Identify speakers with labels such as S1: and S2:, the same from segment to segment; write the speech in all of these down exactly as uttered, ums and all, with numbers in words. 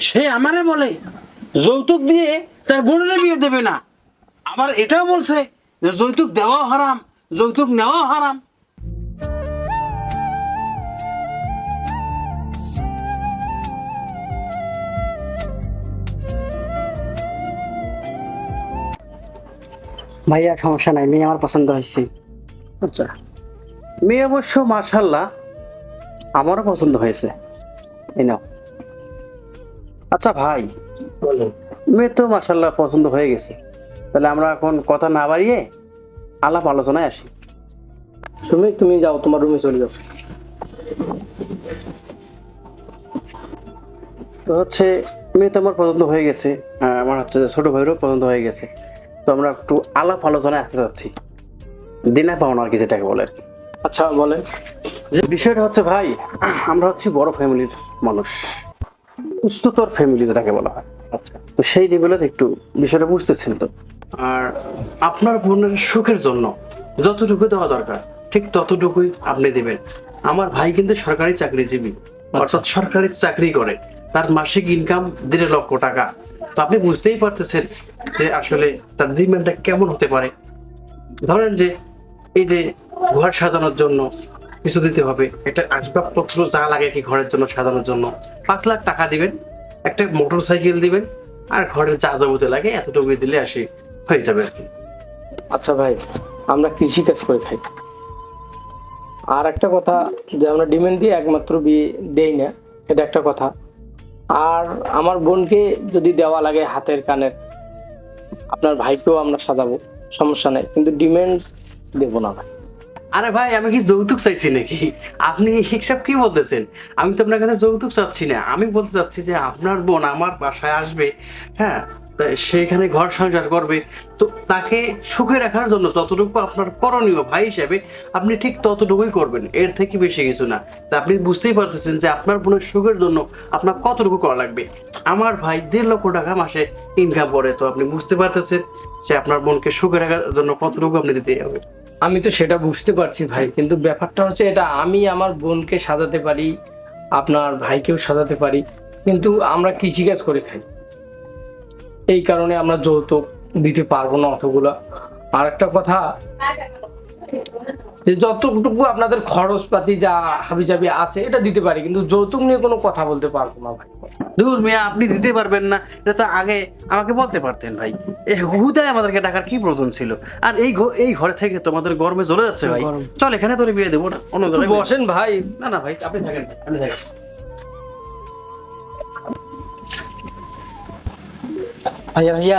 S1: সে আমারে বলে যৌতুক দিয়ে তার বোনের বিয়ে দেবে না, আবার এটাও বলছে যে যৌতুক দেওয়াও হারাম, যৌতুক নেওয়াও হারাম।
S2: ভাইয়া সমস্যা নাই, মেয়ে আমার পছন্দ হয়েছে।
S1: আচ্ছা, মেয়ে অবশ্য মাশাআল্লাহ আমারও পছন্দ হয়েছে, এই নাও। আচ্ছা ভাই, মেয়ে তো মাশাআল্লাহ পছন্দ হয়ে গেছে, তাহলে আমরা এখন কথা না বাড়িয়ে আলাপ আলোচনায় আসি।
S2: তুমি তুমি যাও, তোমার রুমে চলে যাও।
S1: তো হচ্ছে মেয়ে তো আমার পছন্দ হয়ে গেছে, আর আমার হচ্ছে যে ছোট ভাইয়েরও পছন্দ হয়ে গেছে। তো আমরা একটু আলাপ আলোচনায় আসতে চাচ্ছি, দিনা পাওনা আর কি যেটাকে বলে আর কি।
S2: আচ্ছা বলেন।
S1: যে বিষয়টা হচ্ছে ভাই, আমরা হচ্ছে বড় ফ্যামিলির মানুষ, উচ্চতর ফ্যামিলি যেটাকে বলা হয়। আচ্ছা, তো সেই লেভেলের একটু বিষয়টা বুঝতেছেন তো। আর আপনার বোনের সুখের জন্য যতটুকু দেওয়া দরকার ঠিক ততটুকুই আপনি দিবেন। আমার ভাই কিন্তু সরকারি চাকরিজীবী, অর্থাৎ সরকারি চাকরি করে, তার মাসিক ইনকাম দেড় লক্ষ টাকা। তো আপনি বুঝতেই পারতেছেন যে আসলে তার ডিমান্ডটা কেমন হতে পারে। ধরেন যে এই যে ঘর সাজানোর জন্য কিছু দিতে হবে, একটা আসবাবপত্র যা লাগে কি ঘরের জন্য সাজানোর জন্য পাঁচ লাখ টাকা দিবেন, একটা মোটর সাইকেল দিবেন, আর ঘরের যা যাবতীয় লাগে এতটুকু দিলে আসি হয়ে যাবে আর কি।
S2: আচ্ছা ভাই, আমরা কৃষি কাজ করে খাই। আর একটা কথা, যে আমরা ডিমান্ড দিয়ে একমাত্র বিয়ে দেই না, এটা একটা কথা। আর আমার বোনকে যদি দেওয়া লাগে হাতের কানের, আপনার ভাইকেও আমরা সাজাবো, সমস্যা নেই, কিন্তু ডিমান্ড দেবো না ভাই।
S1: আরে ভাই, আমি কি যৌতুক চাইছি নাকি? আপনি হিসাব কি বলতেছেন? আমি তো আপনার কাছে যৌতুক চাচ্ছি না, আমি বলতে চাচ্ছি যে আপনার বোন আমার বাসায় আসবে, হ্যাঁ, তা সেখানে ঘর সংসার করবে, তো তাকে সুখে রাখার জন্য যতটুকু আপনার করণীয় ভাই হিসেবে আপনি ঠিক ততটুকুই করবেন, এর থেকে বেশি কিছু না। তা আপনি বুঝতেই পারতেছেন যে আপনার বোনের সুখের জন্য আপনার কতটুকু করা লাগবে। আমার ভাই দেড় লক্ষ টাকা মাসে ইনকাম করে, তো আপনি বুঝতে পারতেছেন যে আপনার বোনকে সুখে রাখার জন্য কতটুকু আপনি দিতে হবে।
S2: আমি তো সেটা বুঝতে পারছি ভাই, কিন্তু ব্যাপারটা হচ্ছে এটা, আমি আমার বোনকে সাজাতে পারি, আপনার ভাইকেও সাজাতে পারি, কিন্তু আমরা কৃষিকাজ করে খাই, এই কারণে আমরা যৌতুক দিতে পারবো না অতগুলা। আর একটা কথা, যে যতটুকু আপনাদের খরচপাতি যা হাবিজাবি আছে এটা দিতে পারি, কিন্তু যৌতুক নিয়ে কোনো কথা বলতে পারবো না ভাই।
S1: দূর মিয়া, আপনি দিতে পারবেন না এটা তো আগে আমাকে বলতে পারতেন ভাই। এই হুদায় আমাদেরকে টাকার কি প্রয়োজন ছিল? আর এই ঘ- এই ঘরে থেকে তোমাদের গরমে জ্বলে যাচ্ছে ভাই,
S2: গরম।
S1: চল এখানে তোরে বিয়ে দেবো না, অন্য
S2: একটু
S1: জায়গায় বিয়ে-
S2: বসেন ভাই।
S1: না না ভাই, আপনি থাকেন, আপনি থাকেন।
S3: ভাইয়া ভাইয়া,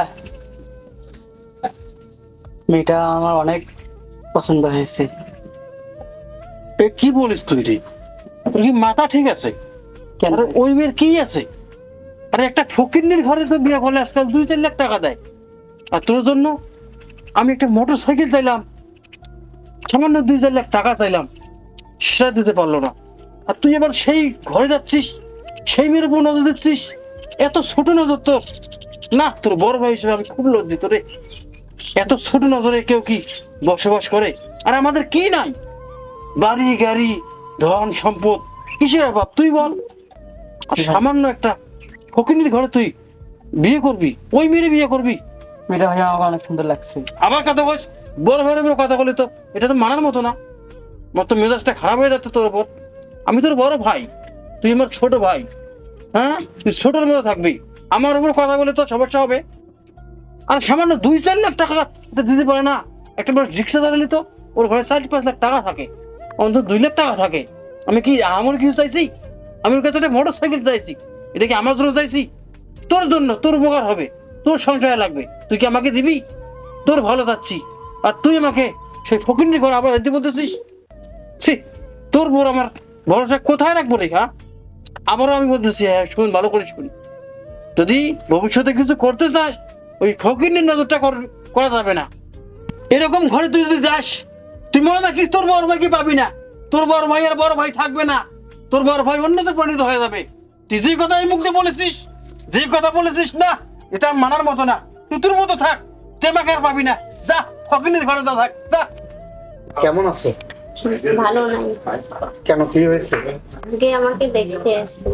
S3: মেয়েটা আমার অনেক পছন্দ হয়েছে।
S1: এ কি বলিস তুই রে? তোর কি মাথা ঠিক আছে?
S3: কেন?
S1: আরে ওই মেয়ের কি আছে? আরে একটা ফকিন্নির ঘরে তো বিয়ে করলে আজকাল দুই চার লাখ টাকা দেয়, আর তোর জন্য আমি একটা মোটর সাইকেল চাইলাম, সামান্য দুই চার লাখ টাকা চাইলাম, সেটা দিতে পারলো না। আর তুই এবার সেই ঘরে যাচ্ছিস, সেই মেয়ের উপর নজর দিচ্ছিস, এত ছোট নজর তোর। না, তোর বড় ভাই হিসেবে আমি খুব লজ্জিত রে। এত ছোট নজরে কেউ কি বসবাস করে? আর আমাদের কি নাই? বাড়ি গাড়ি ধন সম্পদ, কিসের অভাব তুই বল? আর সামান্য একটা ফকিনীর ঘরে তুই বিয়ে করবি, ওই মেয়ের বিয়ে করবি?
S3: মেয়েটা ভাইয়া আমাকে অনেক সুন্দর লাগছে।
S1: আবার কথা বলিস, বড় ভাইয়ের উপর কথা বলি তো এটা তো মানার মতো না। আমার তো মেজাজটা খারাপ হয়ে যাচ্ছে তোর উপর। আমি তোর বড় ভাই, তুই আমার ছোট ভাই, হ্যাঁ, তুই ছোটর মতো থাকবি, আমার উপর কথা বলে তো সমস্যা হবে। আর সামান্য দুই চার লাখ টাকা এটা দিতে পারে না? একটা মানুষ রিক্সা চালালি তো ওর ঘরে চার পাঁচ লাখ টাকা থাকে, অন্তত দুই লাখ টাকা থাকে। আমি কি আমার কিছু চাইছি? আমি ওর কাছে একটা মোটর সাইকেল চাইছি, এটা কি আমার জন্য চাইছি? তোর জন্য, তোর উপকার হবে, তোর সংসারে লাগবে, তুই কি আমাকে দিবি? তোর ভালো চাচ্ছি, আর তুই আমাকে সেই ফকিন্নির ঘরে আবার দিতে বলতেছিস? ছি, তোর বোর আমার ভরসা কোথায় রাখবো রে? হ্যাঁ, আবারও আমি বলতেছি, হ্যাঁ শুন, ভালো করে শুনি, যদি ভবিষ্যতে কিছু করতে চাস ওই ফকিন্নির নজরটা কর- করা যাবে না। এরকম ঘরে তুই যদি যাস, তুই মনে রাখিস তোর বড় ভাইকে পাবি না, তোর বড় ভাই আর বড় ভাই থাকবে না, তোর বড় ভাই অন্যতে পরিণত হয়ে যাবে। তুই যে কথা এই মুখ দিয়ে বলেছিস, যে কথা বলেছিস না, এটা মানার মতো না। তুই তোর মতো থাক, তুই আমাকে আর পাবি না। যা, ফকিন্নির ঘরে যা, থাক যা।
S4: কেমন আছো?
S5: ভালো নাই।
S4: কেন, কি হয়েছে?
S5: আজকে আমাকে দেখতে আসছে।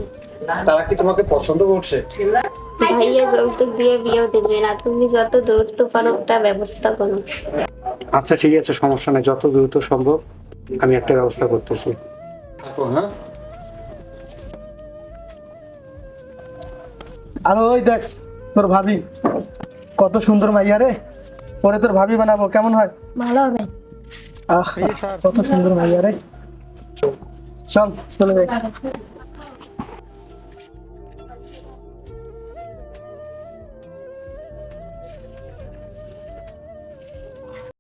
S4: তারা কি তোমাকে পছন্দ করছে?
S5: ভাইয়া যৌতুক দিয়ে বিয়েও দেবে না, তুমি যত দূরত্ব পারো একটা ব্যবস্থা করো।
S6: আচ্ছা ঠিক আছে, সমস্যা নেই, যত দ্রুত সম্ভব আমি একটা ব্যবস্থা করতেছি।
S4: থাকো, হ্যাঁ।
S7: আর ওই দেখ তোর ভাবি, কত সুন্দর মাইয়া রে, পরে তোর ভাবি বানাবো, কেমন হয়?
S5: ভালো হবে।
S7: আহ কত সুন্দর মাইয়া রে, চল চলে যাই।